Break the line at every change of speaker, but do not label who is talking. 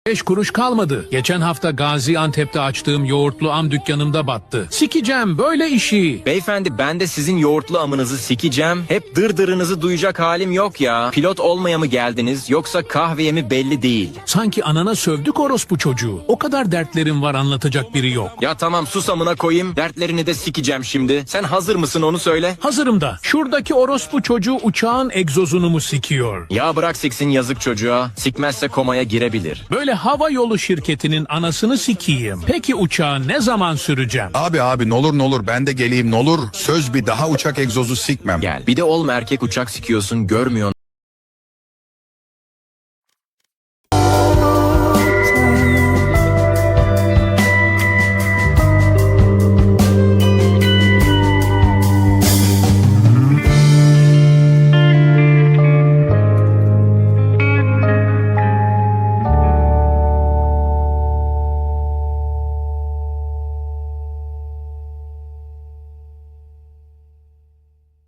5 kuruş kalmadı. Geçen hafta Gaziantep'te açtığım yoğurtlu am dükkanımda battı. Sikeceğim böyle işi.
Beyefendi ben de sizin yoğurtlu amınızı sikeceğim. Hep dırdırınızı duyacak halim yok ya. Pilot olmaya mı geldiniz yoksa kahveye mi belli değil.
Sanki anana sövdük orospu çocuğu. O kadar dertlerim var, anlatacak biri yok.
Ya tamam sus amına koyayım. Dertlerini de sikeceğim şimdi. Sen hazır mısın onu söyle.
Hazırım da. Şuradaki orospu çocuğu uçağın egzozunu mu sikiyor?
Ya bırak siksin yazık çocuğa. Sikmezse komaya girebilir.
Böyle hava yolu şirketinin anasını sikiyim. Peki uçağı ne zaman süreceğim?
Abi ne olur ben de geleyim ne olur. Söz bir daha uçak egzozu sikmem.
Gel. Bir de olma erkek uçak sikiyorsun görmüyorsun.